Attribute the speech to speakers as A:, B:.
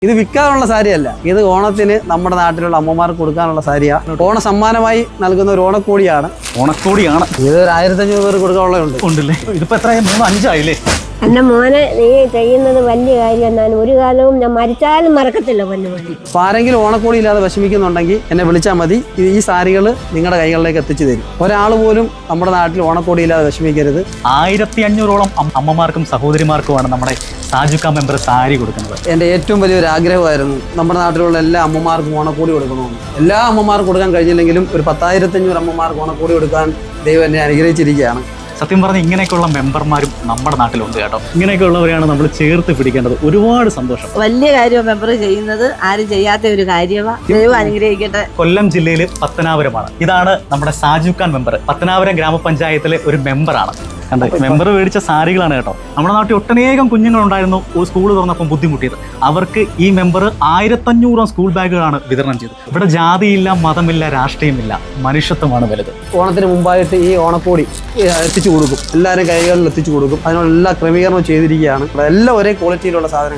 A: ഇത് വിൽക്കാനുള്ള സാരിയല്ല, ഇത് ഓണത്തിന് നമ്മുടെ നാട്ടിലുള്ള അമ്മമാർക്ക് കൊടുക്കാനുള്ള സാരിയാണ്. ഓണ സമ്മാനമായി നൽകുന്ന ഒരു ഓണക്കോടിയാണ്.
B: ഓണക്കോടിയാണ്
A: ഇത് ഒരു 1500 പേർ കൊടുക്കാനുള്ളതുണ്ട്.
B: ഉണ്ടല്ലേ? ഇതിപ്പോ എത്ര 3-5 ആയില്ലേ?
C: എന്റെ മോനെ നീ ചെയ്യുന്നത് വലിയ കാര്യം എന്നാണ്. ഒരു കാലവും ഞാൻ മരിച്ചാലും മറക്കത്തില്ല പൊന്നുമണി.
A: അപ്പോൾ ആരെങ്കിലും ഓണക്കോടി ഇല്ലാതെ വിഷമിക്കുന്നുണ്ടെങ്കിൽ എന്നെ വിളിച്ചാൽ മതി. ഈ സാരികൾ നിങ്ങളുടെ കൈകളിലേക്ക് എത്തിച്ചു തരും. ഒരാൾ പോലും നമ്മുടെ നാട്ടിൽ ഓണക്കോടി ഇല്ലാതെ വിഷമിക്കരുത്.
B: 1500ഓളം അമ്മമാർക്കും സഹോദരിമാർക്കുമാണ് നമ്മുടെ സാജുക്ക മെമ്പർ സാരി കൊടുക്കുന്നത്.
A: എൻ്റെ ഏറ്റവും വലിയൊരു ആഗ്രഹമായിരുന്നു നമ്മുടെ നാട്ടിലുള്ള എല്ലാ അമ്മമാർക്കും ഓണക്കോടി കൊടുക്കണമെന്ന്. എല്ലാ അമ്മമാർക്കും കൊടുക്കാൻ കഴിഞ്ഞില്ലെങ്കിലും ഒരു 10,500 അമ്മമാർക്ക് ഓണക്കോടി കൊടുക്കാൻ ദൈവം എന്നെ അനുഗ്രഹിച്ചിരിക്കുകയാണ്.
B: സത്യം പറഞ്ഞാൽ ഇങ്ങനെയൊക്കെയുള്ള മെമ്പർമാരും നമ്മുടെ നാട്ടിലുണ്ട് കേട്ടോ. ഇങ്ങനെയൊക്കെയുള്ളവരെയാണ് നമ്മൾ ചേർത്ത് പിടിക്കേണ്ടത്. ഒരുപാട് സന്തോഷം.
D: വലിയ കാര്യം മെമ്പർ ചെയ്യുന്നത്, ആരും ചെയ്യാത്ത ഒരു കാര്യമാണ്. ദൈവം അനുഗ്രഹിക്കട്ടെ.
B: കൊല്ലം ജില്ലയിൽ പത്തനാപുരമാണ്. ഇതാണ് നമ്മുടെ സാജുക്കാൻ മെമ്പർ. പത്തനാപുരം ഗ്രാമപഞ്ചായത്തിലെ ഒരു മെമ്പറാണ്. കണ്ടേ, മെമ്പർ മേടിച്ച സാരികളാണ് കേട്ടോ. നമ്മുടെ നാട്ടിൽ ഒട്ടനേകം കുഞ്ഞുങ്ങളുണ്ടായിരുന്നു സ്കൂൾ തുറന്നപ്പം ബുദ്ധിമുട്ടിയത്. അവർക്ക് ഈ മെമ്പർ 1500 സ്കൂൾ ബാഗുകളാണ് വിതരണം ചെയ്തത്. ഇവിടെ ജാതിയില്ല, മതമില്ല, രാഷ്ട്രീയമില്ല, മനുഷ്യത്വമാണ് വലുത്.
A: ഓണത്തിന് മുമ്പായിട്ട് ഈ ഓണക്കോടി എത്തിച്ചു കൊടുക്കും. എല്ലാവരും കൈകളിൽ എത്തിച്ചു കൊടുക്കും. അതിനുള്ള എല്ലാ ക്രമീകരണവും ചെയ്തിരിക്കുകയാണ്. എല്ലാം ഒരേ ക്വാളിറ്റിയിലുള്ള സാധനങ്ങൾ.